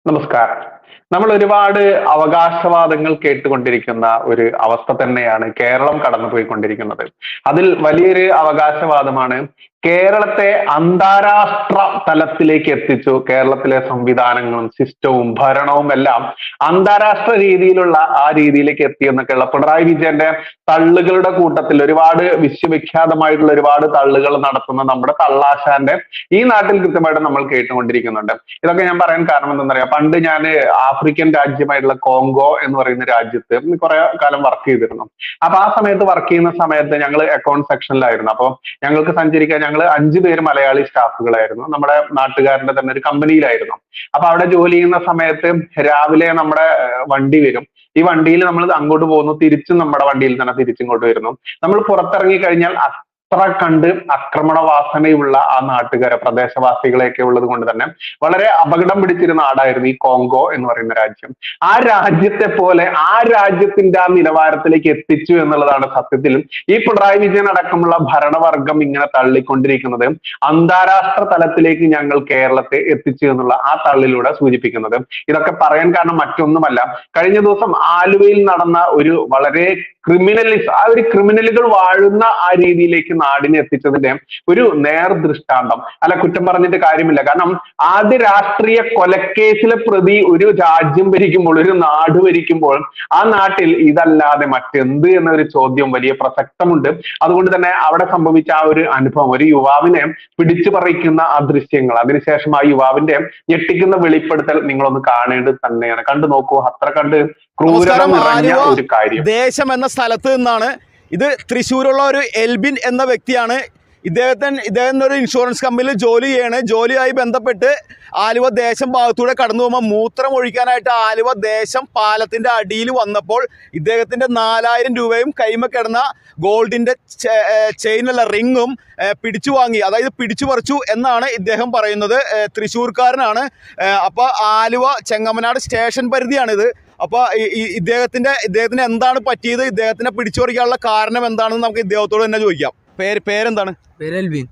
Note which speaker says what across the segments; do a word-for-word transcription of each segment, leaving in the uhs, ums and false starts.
Speaker 1: നമസ്കാരം. നമ്മൾ ഒരുപാട് അവകാശവാദങ്ങൾ കേട്ടുകൊണ്ടിരിക്കുന്ന ഒരു അവസ്ഥ തന്നെയാണ് കേരളം കടന്നുപോയിക്കൊണ്ടിരിക്കുന്നത്. അതിൽ വലിയൊരു അവകാശവാദമാണ് കേരളത്തെ അന്താരാഷ്ട്ര തലത്തിലേക്ക് എത്തിച്ചു. കേരളത്തിലെ സംവിധാനങ്ങളും സിസ്റ്റവും ഭരണവും എല്ലാം അന്താരാഷ്ട്ര രീതിയിലുള്ള ആ രീതിയിലേക്ക് എത്തി എന്നൊക്കെയുള്ള പിണറായി വിജയന്റെ തള്ളുകളുടെ കൂട്ടത്തിൽ ഒരുപാട് വിശ്വവിഖ്യാതമായിട്ടുള്ള ഒരുപാട് തള്ളുകൾ നടത്തുന്ന നമ്മുടെ തള്ളാശാന്റെ ഈ നാട്ടിൽ കൃത്യമായിട്ട് നമ്മൾ കേട്ടുകൊണ്ടിരിക്കുന്നുണ്ട്. ഇതൊക്കെ ഞാൻ പറയാൻ കാരണം എന്താണെന്നറിയാം, പണ്ട് ഞാൻ ആഫ്രിക്കൻ രാജ്യമായിട്ടുള്ള കോങ്കോ എന്ന് പറയുന്ന രാജ്യത്ത് കുറെ കാലം വർക്ക് ചെയ്തിരുന്നു. അപ്പൊ ആ സമയത്ത് വർക്ക് ചെയ്യുന്ന സമയത്ത് ഞങ്ങൾ അക്കൗണ്ട് സെക്ഷനിലായിരുന്നു. അപ്പൊ ഞങ്ങൾക്ക് സഞ്ചരിക്കാൻ ഞങ്ങൾ അഞ്ചു പേര് മലയാളി സ്റ്റാഫുകളായിരുന്നു. നമ്മുടെ നാട്ടുകാരന്റെ തന്നെ ഒരു കമ്പനിയിലായിരുന്നു. അപ്പൊ അവിടെ ജോലി ചെയ്യുന്ന സമയത്ത് രാവിലെ നമ്മുടെ വണ്ടി വരും. ഈ വണ്ടിയിൽ നമ്മൾ അങ്ങോട്ട് പോകുന്നു, തിരിച്ചും നമ്മുടെ വണ്ടിയിൽ തന്നെ തിരിച്ചിങ്ങോട്ട് വരുന്നു. നമ്മൾ പുറത്തിറങ്ങി കഴിഞ്ഞാൽ അത്ര കണ്ട് ആക്രമണ വാസനയുള്ള ആ നാട്ടുകാരെ പ്രദേശവാസികളെയൊക്കെ ഉള്ളത് കൊണ്ട് തന്നെ വളരെ അപകടം പിടിച്ചിരുന്ന നാടായിരുന്നു ഈ കോങ്കോ എന്ന് പറയുന്ന രാജ്യം. ആ രാജ്യത്തെ പോലെ ആ രാജ്യത്തിന്റെ ആ നിലവാരത്തിലേക്ക് എത്തിച്ചു എന്നുള്ളതാണ് സത്യത്തിൽ ഈ പിണറായി വിജയൻ അടക്കമുള്ള ഭരണവർഗം ഇങ്ങനെ തള്ളിക്കൊണ്ടിരിക്കുന്നത്. അന്താരാഷ്ട്ര തലത്തിലേക്ക് ഞങ്ങൾ കേരളത്തെ എത്തിച്ചു എന്നുള്ള ആ തള്ളിലൂടെ സൂചിപ്പിക്കുന്നത്. ഇതൊക്കെ പറയാൻ കാരണം മറ്റൊന്നുമല്ല, കഴിഞ്ഞ ദിവസം ആലുവയിൽ നടന്ന ഒരു വളരെ ക്രിമിനലിസ് ആ ഒരു ക്രിമിനലുകൾ വാഴുന്ന ആ രീതിയിലേക്ക് നാടിനെ എത്തിച്ചതിന്റെ ഒരു നേർ ദൃഷ്ടാന്തം. അല്ല, കുറ്റം പറഞ്ഞിട്ട് കാര്യമില്ല. കാരണം ആദ്യ രാഷ്ട്രീയ കൊലക്കേസിലെ പ്രതി ഒരു രാജ്യം ഭരിക്കുമ്പോൾ, ഒരു നാട് ഭരിക്കുമ്പോൾ ആ നാട്ടിൽ ഇതല്ലാതെ മറ്റെന്ത് എന്നൊരു ചോദ്യം വലിയ പ്രസക്തമുണ്ട്. അതുകൊണ്ട് തന്നെ അവിടെ സംഭവിച്ച ആ ഒരു അനുഭവം, ഒരു യുവാവിനെ പിടിച്ചു പറിക്കുന്ന ആ ദൃശ്യങ്ങൾ, അതിനുശേഷം ആ യുവാവിന്റെ ഞെട്ടിക്കുന്ന വെളിപ്പെടുത്തൽ നിങ്ങളൊന്ന് കാണേണ്ടത് തന്നെയാണ്. കണ്ടു നോക്കൂ, അത്ര കണ്ട് ക്രൂരത നിറഞ്ഞ ഒരു കാര്യം.
Speaker 2: ദേശം എന്ന സ്ഥലത്ത് നിന്നാണ് ഇത്. തൃശ്ശൂരുള്ള ഒരു എൽബിൻ എന്ന വ്യക്തിയാണ്. ഇദ്ദേഹത്തിന് ഇദ്ദേഹം ഒരു ഇൻഷുറൻസ് കമ്പനിയിൽ ജോലി ചെയ്യാണ്. ജോലിയായി ബന്ധപ്പെട്ട് ആലുവ ദേശം ഭാഗത്തൂടെ കടന്നു പോകുമ്പോൾ മൂത്രം ഒഴിക്കാനായിട്ട് ആലുവ ദേശം പാലത്തിൻ്റെ അടിയിൽ വന്നപ്പോൾ ഇദ്ദേഹത്തിൻ്റെ നാലായിരം രൂപയും കൈമ കിടന്ന ഗോൾഡിൻ്റെ ചെയിനുള്ള റിങ്ങും പിടിച്ചു വാങ്ങി, അതായത് പിടിച്ചു പറിച്ചു എന്നാണ് ഇദ്ദേഹം പറയുന്നത്. തൃശ്ശൂർക്കാരനാണ്. അപ്പോൾ ആലുവ ചെങ്ങമനാട് സ്റ്റേഷൻ പരിധിയാണിത്. അപ്പോൾ ഇദ്ദേഹത്തിൻ്റെ ഇദ്ദേഹത്തിന് എന്താണ് പറ്റിയത്, ഇദ്ദേഹത്തിനെ പിടിച്ചു പറിക്കാനുള്ള കാരണം എന്താണെന്ന് നമുക്ക് ഇദ്ദേഹത്തോട് തന്നെ ചോദിക്കാം. പേര് പേരെന്താണ്?
Speaker 3: പേര് എൽവിൻ.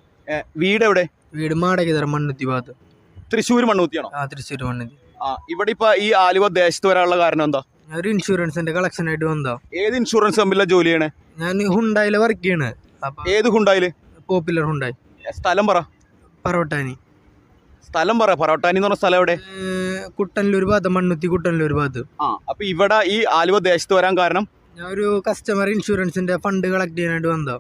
Speaker 2: വീട് എവിടെ?
Speaker 3: വീട് മാടകര മണ്ണുത്തി ഭാഗത്ത്.
Speaker 2: തൃശ്ശൂർ മണ്ണൂത്തിയാണോ?
Speaker 3: ആ, തൃശ്ശൂർ മണ്ണുത്തി.
Speaker 2: ആ, ഇവിടെ ഇപ്പൊ ഈ ആലുവ ദേശത്ത് വരാനുള്ള കാരണം എന്താ?
Speaker 3: ഒരു ഇൻഷുറൻസിന്റെ കളക്ഷൻ ആയിട്ട് വന്നോ.
Speaker 2: ഏത് ഇൻഷുറൻസ് കമ്പനിയിലാണ് ജോലി ചെയ്യണേ?
Speaker 3: ഞാൻ ഹുണ്ടായില് വർക്ക് ചെയ്യണ്.
Speaker 2: ഏത് ഹുണ്ടായില്?
Speaker 3: Popular Hyundai.
Speaker 2: സ്ഥലം പറ.
Speaker 3: പറവട്ടാനി.
Speaker 2: സ്ഥലം പറ. പറവട്ടാനി എന്ന് പറഞ്ഞ സ്ഥലം എവിടെ?
Speaker 3: കുട്ടനല്ലൂർ ഭാഗത്ത്, മണ്ണുത്തി കുട്ടനല്ലൂർ ഭാഗത്ത്.
Speaker 2: ആ, അപ്പൊ ഇവിടെ ഈ ആലുവ ദേശത്ത് വരാൻ കാരണം?
Speaker 3: ഞാൻ ഒരു കസ്റ്റമർ ഇൻഷുറൻസിന്റെ ഫണ്ട് കളക്ട് ചെയ്യാനായിട്ട് വന്നോ.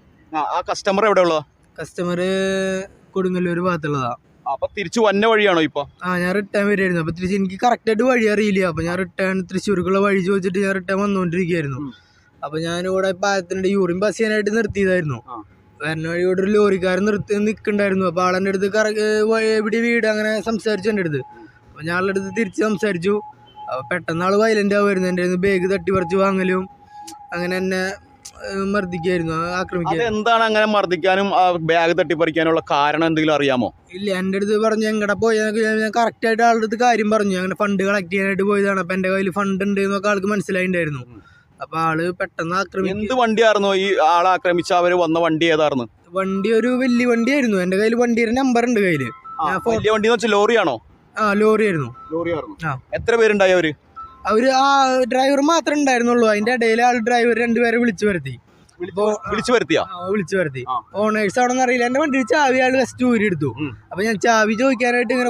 Speaker 2: ആ കസ്റ്റമർ എവിടെ ഉള്ളതാ?
Speaker 3: കസ്റ്റമർ കൊടുങ്ങല്ലൂർ ഭാഗത്തുള്ളതാ.
Speaker 2: അപ്പൊ തിരിച്ചു വന്ന വഴിയാണോ ഇപ്പൊ?
Speaker 3: ആ, ഞാൻ റിട്ടേൺ വരികയായിരുന്നു. അപ്പൊ തിരിച്ച് എനിക്ക് കറക്റ്റ് ആയിട്ട് വഴി അറിയില്ല. അപ്പൊ ഞാൻ റിട്ടേൺ തൃശ്ശൂർക്കുള്ള വഴി ചോദിച്ചിട്ട് ഞാൻ റിട്ടേൺ വന്നുകൊണ്ടിരിക്കുകയായിരുന്നു. അപ്പൊ ഞാനിവിടെ പാലത്തിന്റെ യൂറിൻ പാസ് ചെയ്യാനായിട്ട് നിർത്തിയതായിരുന്നു. വരുന്ന വഴിയോട് ഒരു ലോറിക്കാരൻ നിർത്തി നിൽക്കണ്ടായിരുന്നു. അപ്പൊ ആളെൻ്റെ അടുത്ത് കറ എവിടെ വീട് അങ്ങനെ സംസാരിച്ചു എൻ്റെ അടുത്ത്. അപ്പൊ ഞാൻ ആളുടെ അടുത്ത് തിരിച്ച് സംസാരിച്ചു. അപ്പൊ പെട്ടെന്ന് ആള് വയലന്റ് ആവുമായിരുന്നു. എൻ്റെ അടുത്ത് ബാഗ് തട്ടി പറിച്ച് വാങ്ങലും അങ്ങനെ എന്നെ മർദ്ദിക്കായിരുന്നു, ആക്രമിക്കുക.
Speaker 2: എന്താണ് അങ്ങനെ മർദ്ദിക്കാനും ബാഗ് തട്ടിപ്പറിക്കാനുള്ള കാരണം എന്തെങ്കിലും അറിയാമോ?
Speaker 3: ഇല്ല, എൻ്റെ അടുത്ത് പറഞ്ഞു എങ്ങടെ പോയാൽ ഞാൻ കറക്റ്റ് ആയിട്ട് ആളുടെ അടുത്ത് കാര്യം പറഞ്ഞു. അങ്ങനെ ഫണ്ട് കളക്ട് ചെയ്യാനായിട്ട് പോയതാണ്. അപ്പൊ എൻ്റെ കയ്യിൽ ഫണ്ട് ഉണ്ട് എന്നൊക്കെ ആൾക്ക് മനസ്സിലായിട്ടുണ്ടായിരുന്നു. അപ്പൊ ആള് പെട്ടെന്ന് ആക്രമിക്കും.
Speaker 2: എന്ത് വണ്ടിയായിരുന്നു ഈ ആളെ ആക്രമിച്ച അവര് വന്ന വണ്ടി? ഏതായിരുന്നു
Speaker 3: വണ്ടി? ഒരു വലിയ വണ്ടിയായിരുന്നു. എൻ്റെ കയ്യിൽ വണ്ടിയുടെ നമ്പർ ഉണ്ട് കയ്യില്.
Speaker 2: വലിയ വണ്ടി എന്ന് വെച്ചാൽ ലോറിയാണോ?
Speaker 3: ആ, ലോറി ആയിരുന്നു.
Speaker 2: ലോറിയായിരുന്നു. എത്ര പേരുണ്ടായി അവര്?
Speaker 3: അവര് ആ ഡ്രൈവർ മാത്രമേ ഉണ്ടായിരുന്നുള്ളൂ. അതിന്റെ ഇടയിൽ ആൾ ഡ്രൈവർ രണ്ടുപേരെ വിളിച്ചു വരുത്തി.
Speaker 2: വിളിച്ചു വരുത്തിയാ?
Speaker 3: വിളിച്ചു വരുത്തി. ഓണേഴ്സ് ആണെന്ന് അറിയില്ല. എന്റെ വണ്ടി ചാവി ആള് ഫസ്റ്റ് ഊരി എടുത്തു. അപ്പൊ ഞാൻ ചാവി ചോദിക്കാനായിട്ട് ഇങ്ങനെ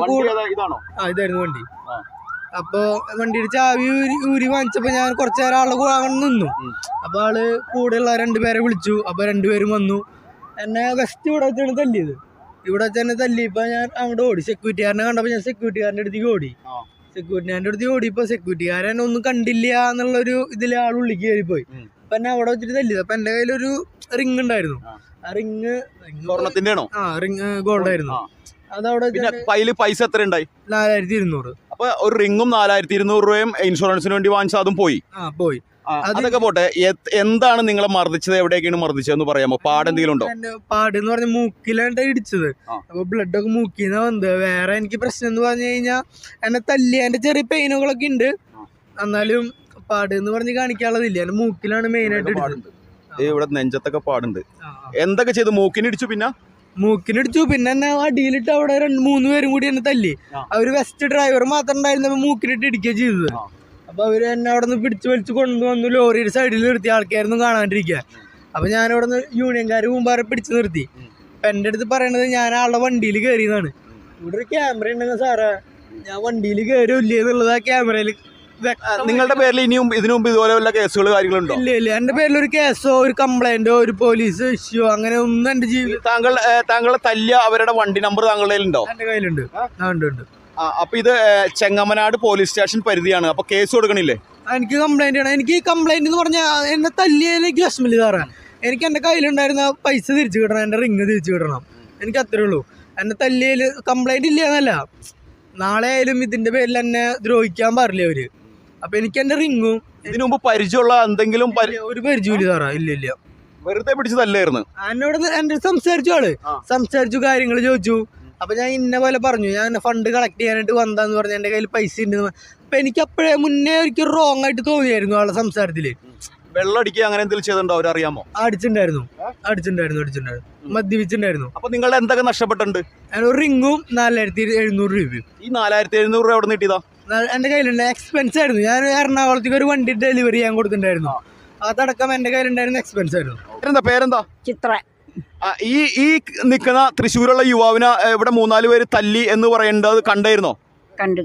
Speaker 3: ആ ഇതായിരുന്നു വണ്ടി. അപ്പൊ വണ്ടിയുടെ ചാവി ഊരി ഊരി വാങ്ങിച്ചപ്പോ ഞാൻ കുറച്ചു നേരം ആളെ അങ്ങനെ നിന്നു. അപ്പൊ ആള് കൂടെയുള്ള രണ്ടുപേരെ വിളിച്ചു. അപ്പൊ രണ്ടുപേരും വന്നു. എന്നെ വെസ്റ്റ് ഇവിടെ വെച്ചാണ് തല്ലിയത്. ഇവിടെ വെച്ച് തന്നെ തല്ലിയപ്പോ ഞാൻ അങ്ങോട്ട് ഓടി. സെക്യൂരിറ്റിക്കാരനെ കണ്ടപ്പോ ഞാൻ സെക്യൂരിറ്റിക്കാരൻ്റെ അടുത്തേക്ക് ഓടി. സെക്യൂരിറ്റിക്കാരൻ്റെ അടുത്ത് ഓടിയപ്പോ സെക്യൂരിറ്റിക്കാരൻ ഒന്നും കണ്ടില്ല എന്നുള്ളൊരു ഇതില് ആൾ ഉള്ളിക്ക് കയറിപ്പോയി. അപ്പൊ എന്നെ അവിടെ വെച്ചിട്ട് തല്ലിയത്. അപ്പൊ എന്റെ കയ്യിലൊരു റിങ് ഉണ്ടായിരുന്നു. ആ റിങ്
Speaker 2: സ്വർണത്തിന്റെ ആണോ?
Speaker 3: ആ, റിങ് ഗോൾഡ് ആയിരുന്നു. അതവിടെ
Speaker 2: പൈസ എത്ര ഉണ്ടായി?
Speaker 3: നാലായിരത്തി ഇരുന്നൂറ്.
Speaker 2: അപ്പൊ ഒരു റിങ്ങും നാലായിരത്തി ഇരുന്നൂറ് രൂപയും ഇൻഷുറൻസിന് വേണ്ടി വാങ്ങിച്ചാൽ അതും പോയി.
Speaker 3: ആ, പോയി.
Speaker 2: അതൊക്കെ പോട്ടെ, എന്താണ് നിങ്ങളെ മർദ്ദിച്ചത്? എവിടെയൊക്കെയാണ് മർദ്ദിച്ചതെന്ന് പറയാമോ? പാട് എന്തെങ്കിലും ഉണ്ടോ?
Speaker 3: പാട് എന്ന് പറഞ്ഞ മൂക്കിലാണ് ഇടിച്ചത്. അപ്പൊ ബ്ലഡ് ഒക്കെ മൂക്കിന്ന് വന്നത്. വേറെ എനിക്ക് പ്രശ്നം എന്ന് പറഞ്ഞു കഴിഞ്ഞാൽ എന്നെ തല്ലി എന്റെ ചെറിയ പെയിനുകളൊക്കെ ഉണ്ട്. എന്നാലും പാട് എന്ന് പറഞ്ഞ് കാണിക്കാനുള്ളതില്ല. എന്റെ മൂക്കിലാണ് മെയിൻ ആയിട്ട് ഇടിച്ചത്.
Speaker 2: ഇവിടെ നെഞ്ചത്തൊക്കെ പാടുണ്ട്. എന്തൊക്കെ ചെയ്തു? മൂക്കിന് ഇടിച്ചു. പിന്നെ
Speaker 3: മൂക്കിനടിച്ചു. പിന്നെ എന്നെ അടിയിലിട്ട് അവിടെ രണ്ട് മൂന്ന് പേരും കൂടി എന്നെ തല്ലി. അവര് വെസ്റ്റ് ഡ്രൈവർ മാത്രം ഉണ്ടായിരുന്നപ്പോ മൂക്കിനിട്ട് ഇടിക്കുക ചെയ്തത്. അപ്പൊ അവര് എന്നെ അവിടെ നിന്ന് പിടിച്ചു വലിച്ചു കൊണ്ടുവന്നു ലോറിയുടെ സൈഡിൽ നിർത്തി. ആൾക്കാരൊന്നും കാണാണ്ടിരിക്കുക. അപ്പൊ ഞാൻ അവിടെ നിന്ന് യൂണിയൻകാര് മുമ്പാറെ പിടിച്ചു നിർത്തി. അപ്പൊ എന്റെ അടുത്ത് പറയണത് ഞാൻ ആളുടെ വണ്ടിയിൽ കയറിയതാണ്. ഇവിടെ ഒരു ക്യാമറ ഉണ്ടെങ്കിൽ സാറേ ഞാൻ വണ്ടിയിൽ കയറില്ലേ എന്നുള്ളത് ആ ക്യാമറയിൽ.
Speaker 2: നിങ്ങളുടെ പേരിൽ ഇനിയും ഇതിനു മുമ്പ് ഇതുപോലെ വല്ല കേസുകൾ കാര്യങ്ങളുണ്ടോ?
Speaker 3: ഇല്ല ഇല്ല, എന്റെ പേരിൽ ഒരു കേസോ ഒരു കംപ്ലൈന്റോ ഒരു പോലീസ് ഇഷ്യൂ അങ്ങനെ ഒന്നും എന്റെ ജീവിതം.
Speaker 2: താങ്കൾ താങ്കളെ തല്ലിയ അവരുടെ വണ്ടി നമ്പർ താങ്കളുടെ കയ്യിലുണ്ടോ?
Speaker 3: എന്റെ കയ്യിലുണ്ട്. ഉണ്ട് ഉണ്ട്.
Speaker 2: അപ്പൊ ഇത് ചെങ്ങമനാട് പോലീസ് സ്റ്റേഷൻ പരിധിയാണ്. അപ്പൊ കേസ് കൊടുക്കണില്ലേ?
Speaker 3: എനിക്ക് കംപ്ലൈന്റ് ആണ്. എനിക്ക് കംപ്ലൈന്റ് എന്ന് പറഞ്ഞാൽ എന്നെ തല്ലിയതിലേക്ക് വിഷമില്ല സാറേ. എനിക്ക് എന്റെ കയ്യിലുണ്ടായിരുന്ന പൈസ തിരിച്ചു കിട്ടണം, എന്റെ റിങ് തിരിച്ചു കിട്ടണം. എനിക്ക് അത്രേ ഉള്ളൂ. എന്നെ തല്ലിയതിൽ കംപ്ലൈന്റ് ഇല്ല എന്നല്ല, നാളെ ആയാലും ഇതിന്റെ പേരിൽ എന്നെ ദ്രോഹിക്കാൻ പാടില്ല അവര്. അപ്പൊ എനിക്ക് എന്റെ റിങ്ങും.
Speaker 2: ഇതിനു മുമ്പ് പരിചയമുള്ള എന്തെങ്കിലും
Speaker 3: ഒരു പരിചയമില്ല സാറാ. ഇല്ല ഇല്ല,
Speaker 2: വെറുതെ പിടിച്ചതല്ലായിരുന്നു.
Speaker 3: എന്നോട് എന്റെ സംസാരിച്ചു, ആള് സംസാരിച്ചു, കാര്യങ്ങൾ ചോദിച്ചു. അപ്പൊ ഞാൻ ഇന്ന പോലെ പറഞ്ഞു ഞാൻ ഫണ്ട് കളക്ട് ചെയ്യാനായിട്ട് വന്നാന്ന് പറഞ്ഞു. എന്റെ കയ്യിൽ പൈസ ഉണ്ട്. അപ്പൊ എനിക്ക് അപ്പോഴേ മുന്നേ ഒരിക്കൽ റോങ് ആയിട്ട് തോന്നിയായിരുന്നു ആളുടെ സംസാരത്തില്.
Speaker 2: വെള്ളം അടിക്കുക അങ്ങനെ എന്തെങ്കിലും ചെയ്തിട്ടുണ്ടോ? അവരറിയാമോ?
Speaker 3: അടിച്ചിട്ടുണ്ടായിരുന്നു അടിച്ചിട്ടുണ്ടായിരുന്നു അടിച്ചിട്ടുണ്ടായിരുന്നു മദ്യപിച്ചിട്ടുണ്ടായിരുന്നു.
Speaker 2: അപ്പൊ നിങ്ങളുടെ എന്തൊക്കെ നഷ്ടപ്പെട്ടിട്ടുണ്ട്?
Speaker 3: ഒരു റിങ്ങും നാലായിരത്തി എഴുന്നൂറ് രൂപയും.
Speaker 2: ഈ നാലായിരത്തി എഴുന്നൂറ് രൂപ എവിടെ നിന്ന് കിട്ടിയതാ?
Speaker 3: എന്റെ കയ്യിലുണ്ട്. എക്സ്പെൻസ് ആയിരുന്നു. ഞാൻ എറണാകുളത്തേക്ക് ഒരു വണ്ടി ഡെലിവറി ചെയ്യാൻ കൊടുത്തിട്ടുണ്ടായിരുന്നു. അതടക്കം എന്റെ കയ്യിലുണ്ടായിരുന്ന എക്സ്പെൻസ് ആയിരുന്നു.
Speaker 2: എന്താ പേരെന്താ?
Speaker 4: ചിത്ര.
Speaker 2: ഈ ഈ നിൽക്കുന്ന തൃശ്ശൂരുള്ള യുവാവിനെ ഇവിടെ മൂന്നാല് പേര് തല്ലി എന്ന് പറയേണ്ടത് കണ്ടായിരുന്നോ?
Speaker 4: കണ്ടു.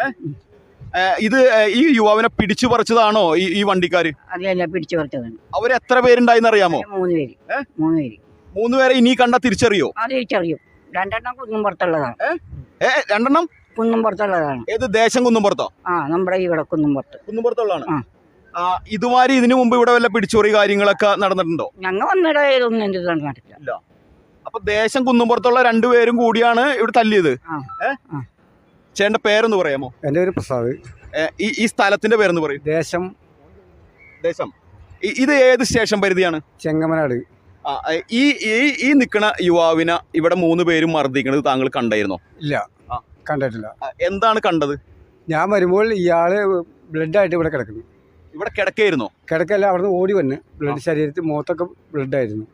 Speaker 2: ഇത് ഈ യുവാവിനെ പിടിച്ചു പറിച്ചതാണോ ഈ ഈ വണ്ടിക്കാര്?
Speaker 4: അതെയല്ല, പിടിച്ചു പറിച്ചതാണ്.
Speaker 2: അവര് എത്ര പേരുണ്ടായിന്ന് അറിയാമോ?
Speaker 4: മൂന്ന് പേര്. മൂന്ന് പേര്
Speaker 2: മൂന്ന് പേരെ ഇനി കണ്ട തിരിച്ചറിയോ?
Speaker 4: അത് തിരിച്ചറിയും. രണ്ടെണ്ണം കുന്നും പുറത്തുള്ളതാണ്.
Speaker 2: ഏ രണ്ടെണ്ണം
Speaker 4: കുന്നും പുറത്തുള്ളതാണ്.
Speaker 2: ഏത് ദേശം? കുന്നും പുറത്തോ?
Speaker 4: ആ, നമ്മുടെ ഇവിടെ കുന്നും പുറത്ത്.
Speaker 2: കുന്നും പുറത്തുള്ളതാണ്. ഇതുമാതിരി ഇതിനു മുമ്പ് ഇവിടെ വല്ല പിടിച്ചോറി കാര്യങ്ങളൊക്കെ നടന്നിട്ടുണ്ടോ?
Speaker 4: ഞങ്ങൾ വന്നിട ഇതൊന്നും എന്ത് നടന്നിട്ടില്ല.
Speaker 2: അപ്പൊ ദേശം കുന്നും പുറത്തുള്ള രണ്ടുപേരും കൂടിയാണ് ഇവിടെ തല്ലിയത്. ചേട്ടന്റെ പേരൊന്ന് പറയാമോ?
Speaker 5: എൻ്റെ പേര് പ്രസാദ്.
Speaker 2: ഈ ഈ സ്ഥലത്തിന്റെ പേരെന്ന് പറയും.
Speaker 5: ദേശം.
Speaker 2: ദേശം. ഇത് ഏത് സ്റ്റേഷൻ പരിധിയാണ്?
Speaker 5: ചെങ്ങമനാട്.
Speaker 2: ഈ ഈ നിൽക്കുന്ന യുവാവിനെ ഇവിടെ മൂന്ന് പേരും മർദ്ദിക്കുന്നത് താങ്കൾ കണ്ടായിരുന്നോ?
Speaker 5: ഇല്ല, കണ്ടിട്ടില്ല.
Speaker 2: എന്താണ് കണ്ടത്?
Speaker 5: ഞാൻ വരുമ്പോൾ ഇയാള് ബ്ലഡ് ആയിട്ട് ഇവിടെ കിടക്കുന്നു.
Speaker 2: ഇവിടെ കിടക്കായിരുന്നോ?
Speaker 5: കിടക്കല്ല, അവിടെ നിന്ന് ഓടി വന്ന് ബ്ലഡ് ശരീരത്തിൽ മുഖത്തൊക്കെ ബ്ലഡ് ആയിരുന്നു.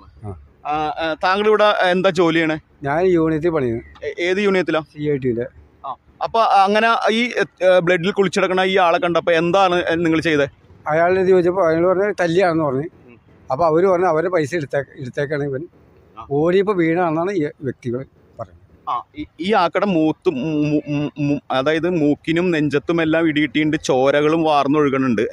Speaker 2: താങ്കൾ ഇവിടെ എന്താ ജോലി ചെയ്യണേ?
Speaker 5: ഞാൻ യൂണിയത്തിൽ പണിയുന്നു.
Speaker 2: ഏത് യൂണിയത്തിലാ?
Speaker 5: സി ഐ ടിയുടെ.
Speaker 2: അപ്പൊ അങ്ങനെ ഈ ബ്ലഡിൽ കുളിച്ചെടുക്കണ ഈ ആളെ കണ്ടപ്പോ എന്താണ് നിങ്ങൾ ചെയ്തത്?
Speaker 5: അയാളുടെ ചോദിച്ചപ്പോൾ അയാൾ പറഞ്ഞ തല്ലിയാണെന്ന് പറഞ്ഞു. അപ്പൊ അവര് പറഞ്ഞു അവരുടെ പൈസ എടുത്തേ എടുത്തേക്കാണ് ഇവൻ ഓടിയപ്പോ വീണാണെന്നാണ് ഈ വ്യക്തികൾ പറയുന്നത്.
Speaker 2: ഈ ആക്കടെ മൂത്ത് അതായത് മൂക്കിനും നെഞ്ചത്തും എല്ലാം ഇടിയിട്ടുണ്ട്, ചോരകളും വാർന്നൊഴുകണുണ്ട്.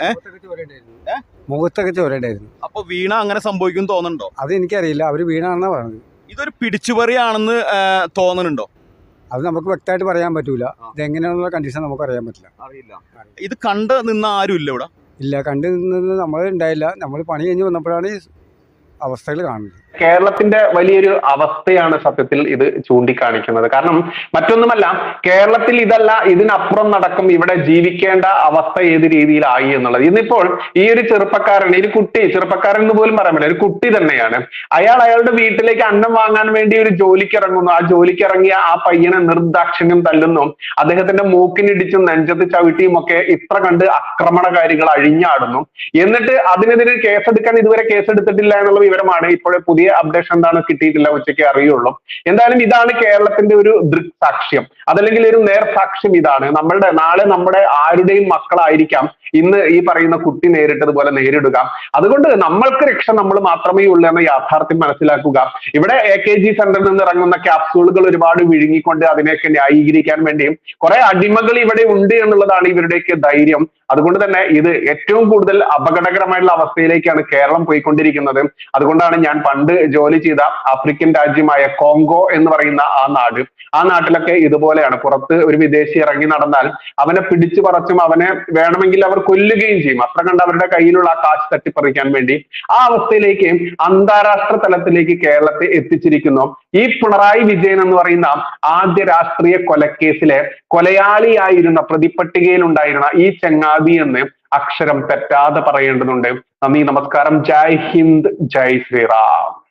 Speaker 5: മുഖത്തൊക്കെ ചോരണ്ടായിരുന്നു.
Speaker 2: അപ്പൊ വീണ അങ്ങനെ സംഭവിക്കും തോന്നുന്നുണ്ടോ?
Speaker 5: അത് എനിക്കറിയില്ല, അവര് വീണാണെന്നാ പറഞ്ഞത്.
Speaker 2: ഇതൊരു പിടിച്ചുപറിയാണെന്ന് തോന്നുന്നുണ്ടോ?
Speaker 5: അത് നമുക്ക് വ്യക്തമായിട്ട് പറയാൻ പറ്റൂല. ഇതെങ്ങനെയാണെന്നുള്ള കണ്ടീഷൻ നമുക്ക് അറിയാൻ പറ്റില്ല.
Speaker 2: അറിയില്ല. ഇത് കണ്ട് നിന്ന് ആരും ഇല്ല ഇവിടെ?
Speaker 5: ഇല്ല, കണ്ടു നിന്ന് നമ്മൾ ഉണ്ടായില്ല. നമ്മൾ പണി കഴിഞ്ഞ് വന്നപ്പോഴാണ് അവസ്ഥകൾ കാണുന്നത്.
Speaker 1: കേരളത്തിന്റെ വലിയൊരു അവസ്ഥയാണ് സത്യത്തിൽ ഇത് ചൂണ്ടിക്കാണിക്കുന്നത്. കാരണം മറ്റൊന്നുമല്ല, കേരളത്തിൽ ഇതല്ല ഇതിനപ്പുറം നടക്കും ഇവിടെ ജീവിക്കേണ്ട അവസ്ഥ ഏത് രീതിയിലായി എന്നുള്ളത്. ഇന്നിപ്പോൾ ഈ ഒരു ചെറുപ്പക്കാരൻ, ഈ കുട്ടി, ചെറുപ്പക്കാരൻ എന്ന് പോലും പറയാൻ പറ്റില്ല, ഒരു കുട്ടി തന്നെയാണ്. അയാൾ അയാളുടെ വീട്ടിലേക്ക് അന്നം വാങ്ങാൻ വേണ്ടി ഒരു ജോലിക്ക് ഇറങ്ങുന്നു. ആ ജോലിക്ക് ഇറങ്ങിയ ആ പയ്യനെ നിർദാക്ഷിണ്യം തല്ലുന്നു. അദ്ദേഹത്തിന്റെ മൂക്കിനിടിച്ചും നെഞ്ചത്ത് ചവിട്ടിയും ഒക്കെ ഇത്ര കണ്ട് ആക്രമണകാരികൾ അഴിഞ്ഞാടുന്നു. എന്നിട്ട് അതിനെതിരെ കേസെടുക്കാൻ ഇതുവരെ കേസെടുത്തിട്ടില്ല എന്നുള്ള വിവരമാണ് ഇപ്പോഴേ പുതിയ അപ്ഡേഷൻ എന്താണ് കിട്ടിയിട്ടില്ല, ഉച്ചയ്ക്ക് അറിയുള്ളൂ. എന്തായാലും ഇതാണ് കേരളത്തിന്റെ ഒരു ദൃക്സാക്ഷ്യം, അതല്ലെങ്കിൽ ഒരു നേർസാക്ഷ്യം. ഇതാണ് നമ്മളുടെ നാളെ നമ്മുടെ ആരുടെയും മക്കളായിരിക്കാം ഇന്ന് ഈ പറയുന്ന കുട്ടി നേരിട്ടതുപോലെ നേരിടുക. അതുകൊണ്ട് നമ്മൾക്ക് രക്ഷ നമ്മൾ മാത്രമേ ഉള്ളൂ എന്ന യാഥാർത്ഥ്യം മനസ്സിലാക്കുക. ഇവിടെ എ കെ ജി സെന്ററിൽ നിന്ന് ഇറങ്ങുന്ന ക്യാപ്സൂളുകൾ ഒരുപാട് വിഴുങ്ങിക്കൊണ്ട് അതിനെയൊക്കെ ന്യായീകരിക്കാൻ വേണ്ടിയും കുറെ അടിമകൾ ഇവിടെ ഉണ്ട് എന്നുള്ളതാണ് ഇവരുടെയൊക്കെ ധൈര്യം. അതുകൊണ്ട് തന്നെ ഇത് ഏറ്റവും കൂടുതൽ അപകടകരമായിട്ടുള്ള അവസ്ഥയിലേക്കാണ് കേരളം പോയിക്കൊണ്ടിരിക്കുന്നത്. അതുകൊണ്ടാണ് ഞാൻ പണ്ട് ജോലി ചെയ്ത ആഫ്രിക്കൻ രാജ്യമായ കോങ്കോ എന്ന് പറയുന്ന ആ നാട്, ആ നാട്ടിലൊക്കെ ഇതുപോലെയാണ്. പുറത്ത് ഒരു വിദേശി ഇറങ്ങി നടന്നാൽ അവനെ പിടിച്ചു പറിച്ചും അവനെ വേണമെങ്കിൽ അവർ കൊല്ലുകയും ചെയ്യും. അത്ര കണ്ട് അവരുടെ കയ്യിലുള്ള ആ കാശ് തട്ടിപ്പറിക്കാൻ വേണ്ടി ആ അവസ്ഥയിലേക്ക് അന്താരാഷ്ട്ര തലത്തിലേക്ക് കേരളത്തെ എത്തിച്ചിരിക്കുന്നു. ഈ പിണറായി വിജയൻ എന്ന് പറയുന്ന ആദ്യ രാഷ്ട്രീയ കൊലക്കേസിലെ കൊലയാളിയായിരുന്ന പ്രതിപട്ടികയിൽ ഉണ്ടായിരുന്ന ഈ ചങ്ങാതി എന്ന് അക്ഷരം തെറ്റാതെ പറയേണ്ടതുണ്ട്. നന്ദി, നമസ്കാരം, ജയ് ഹിന്ദ്, ജയ് ശ്രീറാം.